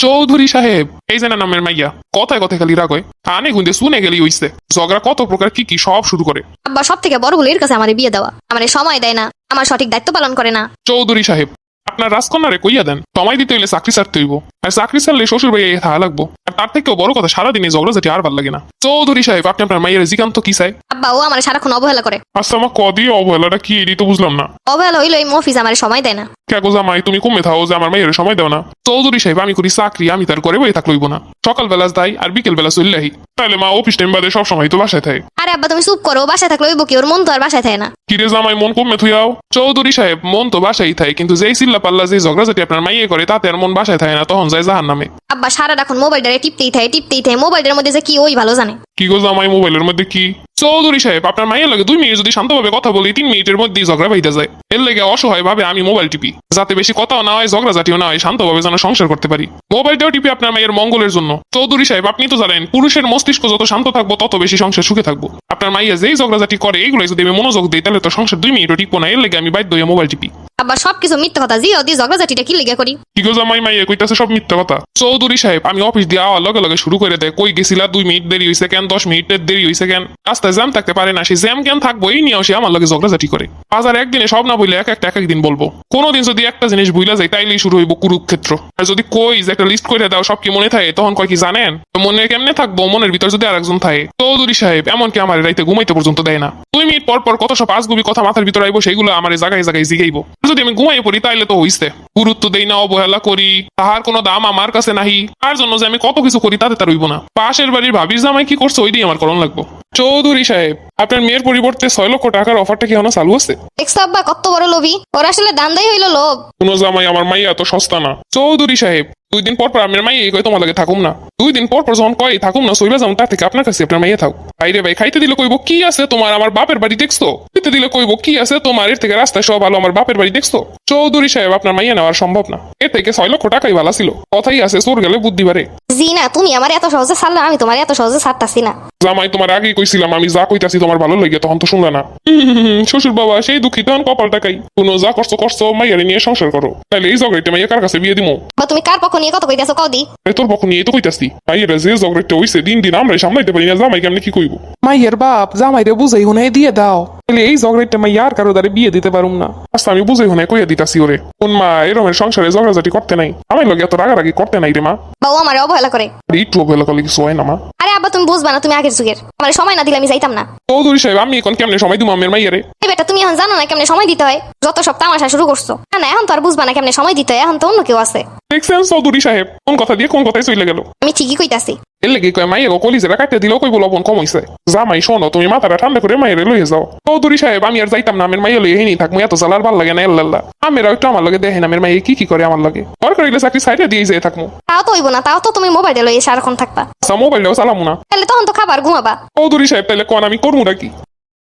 চৌধুরী সাহেব, এই যে না নামের মাইয়া, কথায় কথায় খালি রাগ হয়। আনে গুন্দে শুনে গেলি হইছে, ঝগড়া কত প্রকার কি কি সব শুরু করে। আব্বা সব থেকে বড় হলো এর কাছে আমার বিয়ে দেওয়া, আমার সময় দেয় না, আমার সঠিক দায়িত্ব পালন করে না। চৌধুরী সাহেব, আপনার রাজকন্যারে কইয়া দেন সময় দিতে হইলে চাকরি ছাড়তে হইব, আর চাকরি ছাড়লে শ্বশুর ভাই থাকা লাগবো। আর তার থেকেও বড় কথা, সারাদিনে ঝগড়া যেটি আর ভাল লাগে না। চৌধুরী সাহেব, আপনি আপনার মাইয়ের জিকান্ত কি চাই? আব্বা ও আমার সারাক্ষণ অবহেলা করে। আচ্ছা, আমার কদি অবহেলাটা কি এটি তো বুঝলাম না। অবহেলা হইলো এই মফিজ আমার সময় দেয় না। কেগো জামাই, তুমি কমে থাও যে আমার মাইয়ের সময় দাও না। চৌধুরী সাহেব, আমি করি চাকরি, আমি তার করে বই থাকলইব না। সকাল বেলা যাই আর বিকেল বেলা চললেই, তাহলে মা অফিস টাইম বাদে সব সময় তো বাসায় থাকে। আরে আব্বা তুমি চুপ করো, বাসায় থাকলে ওই বকি, ওর মন তো আর বাসায় থাকে না। কিরে জামাই, মন কমে থুইয়াও? চৌধুরী সাহেব, মন তো বাসায় থাকে, কিন্তু যেই চিল্লা পাল্লা যে ঝগড়াঝাটি আপনার মাইয়ে করে তাতে আর মন বাসায় থাকে না, তখন যায় জাহার নামে। আব্বা সারাক্ষণ মোবাইলটারে টিপতেই থাকে, মোবাইলের মধ্যে যে কি ওই ভালো জানে। কি গো জামাই, মোবাইলের মধ্যে কি? চৌধুরী সাহেব, আপনার মাইয়ের লাগে 2 মিনিট যদি শান্তভাবে কথা বলি, 3 মিনিটের মধ্যেই ঝগড়া বাইতে যায়। এর লেগে অসহায় ভাবে আমি মোবাইল টিপি, যাতে বেশি কথাও না হয়, ঝগড়াঝাটিও না হয়, শান্তভাবে যেন সংসার করতে পারি। মোবাইলটাও টিপি আপনার মায়ের মঙ্গলের জন্য। চৌধুরী সাহেব, আপনি তো জানেন, পুরুষের মস্তিষ্ক যত শান্ত থাকবো তত বেশি সংসার সুখে থাকবো। আপনার মাইয়া যেই ঝগড়াঝাটি করে, এইগুলো যদি আমি মনোযোগ দিই, তাহলে তো সংসার 2 মিনিটও টিপবো না। এর লেগে আমি বাধ্য হয়ে মোবাইল টিপি। আব্বা সবকিছু মিথ্যা কথা, জি ওদি ঝগড়াঝাটিটা কি লেগে করি? কি গো জামাই, মাইয়া কইতাছে সব মিথ্যা কথা। চৌধুরী সাহেব, আমি অফিস দিয়ে আওয়ার লগে লগে শুরু করে দেয়, কই গেছিলা, 2 মিনিট দেরি হইছে কেন, 10 মিনিটের দেরি হইছে কেন, রাস্তায় জ্যাম থাকতে পারে না, সেই জ্যাম কেন থাকবো এই নিয়েও সে আমার লগে ঝগড়াঝাটি করে। বাজার একদিনে সব না বইলে এক এক দিন বলবো। কোনোদিন যদি একটা জিনিস ভুলা যায়, তাইলেই শুরু হইব কুরুক্ষেত্র। আর যদি কই যে একটা লিস্ট করে দাও, সব কি মনে থাকে, তখন কয় কি জানেন, মনে কেমনে থাকবো, মনের ভিতর যদি আরেকজন থাকে। চৌধুরী সাহেব, এমনকি আমার রাইতে ঘুমাইতে পর্যন্ত দেয় না। 2 মিনিট পর পর কত সব আজগুবি কথা মাথার ভিতর আইবো, সেগুলো আমার জায়গায় জায়গায় জিগাইবো। যদি আমি ঘুমাই পড়ি, তাইলে তো হইছে। গুরুত্ব দেই না, অবহেলা করি, তাহার কোনো দাম আমার কাছে নাহি। তার জন্য যে আমি কত কিছু করি, তাতে তার হইব না। পাশের বাড়ির ভাবির জামাই কি করছে, ওইটাই আমার করণ লাগবো। চৌধুরী সাহেব, আপনার মেয়ের পরিবর্তে 6 লক্ষ টাকার অফারটা কি এখনো চালু আছে? দেখছো আব্বা কত বড় লোভী, ওর আসলে দান্দাই হইলো লোভ। কোনো জামাই, আমার মাইয়া এত সস্তা না। চৌধুরী সাহেব, 2 দিন পর পর আমার মাইয়া কই তোমার লাগে থাকুম না। 2 দিন পর পর যখন কয় থাকুম না, সইবা যাও, তার থেকে আপনার কাছে আপনার মাইয়া থাক। ভাইরে ভাই, খাইতে দিলে কইব কি আছে তোমার, আমার বাপের বাড়ি দেখছো। খেতে দিলে কইব কি আছে তোমার, এর থেকে রাস্তায় সব ভালো, আমার বাপের বাড়ি দেখছো। চৌধুরী সাহেব, আপনার মাইয়া নেওয়ার সম্ভব না। এর থেকে 6 লক্ষ টাকাই ভালো ছিল। কথাই আছে, চোর গেলে বুদ্ধি বাড়ে। জি না, তুমি আমার এত সহজে ছাড়লে, আমি তোমার এত সহজে ছাড়তাছি না। জামাই, তোমার আগেই কইছিলাম, আমি যা কইতাছি তোমার ভালো লাগে, তখন তো শুনলে না। শ্বশুর বাবা সেই দুঃখিত, কপাল টাকাই। কোনো যা করছো করছো, মাইয়ারে নিয়ে সংসার করো, তাহলে এই ঝগড়াইতে মাইয়া কার কাছে বিয়ে দিমো? বা তুমি কার পক্ষ নিয়ে কত কইতাছো কদি? তোর পক্ষ নিয়ে তো কইতাছি। মাইয়ারা যে ঝগড়াইতে হইছে, দিন দিন আমরাই সামলাইতে পারি না, জামাই কেমনে কি কইব? মাইয়ের বাপ জামাইরে বুঝাই হুনে দিয়ে দাও, তাহলে এই ঝগড়াইতে মাইয়া আর কারো দ্বারে বিয়ে দিতে পারুম না। আচ্ছা, আমি বুঝাই হুনে কইয়া দিতাছি ওরে। কোন মা এরমের সংসারে ঝগড়াঝাটি করতে নাই, আমার লগে এত রাগারাগি করতে নাই রে মা। বা ও আমার অবহেলা করে। আর একটু অবহেলা করলে কিছু হয় না মা। আরে আব্বা তুমি বুঝবা না, তুমি আগের যুগের, আমার সময় না দিলে আমি যাইতাম না। চৌধুরী সাহেব, আমি এখন কেমনে সময় দিব আমের মাইয়ারে? এই বেটা, তুমি এখন জানো না কেমনে সময় দিতে হয়? যত সব তামাশা শুরু করছো। না না, এখন তো আর বুঝবা না কেমনে সময় দিতে হয়, এখন তো অন্য কেউ আছে। দেখছেন চৌধুরী সাহেব, কোন কথা দিয়ে কোন কথাই চলে গেল। আমি ঠিকই কইতাছি। এর লেগে কয় মাইয়া কলিজেরা কাটতে দিলেও কইব লবণ কম হইছে। জামাই শোনো, তুমি মাথাটা ঠান্ডা করে মাইয়ারে লইয়ে যাও। চৌধুরী সাহেব, আমি আর যাইতাম না, আমের মাইয়া লইয়ে হেনি থাকবো, এত জ্বালার ভাল লাগে না। এল্লাল্লাহ, আমেরা একটু আমার লগে দেখেন আমের মাইয়া কি কি করে আমার লগে। দরকার হইলে চাকরি সাইডে দিয়ে যেয়ে থাকবো। তাও তো হইব না, তাও তো তুমি মোবাইলে লইয়ে সারাক্ষণ থাকবা। আচ্ছা, মোবাইলটাও চালামু না। তাহলে তখন তো খাবার ঘুমাবা। চৌধুরী সাহেব, তাহলে কোন আমি করবো নাকি?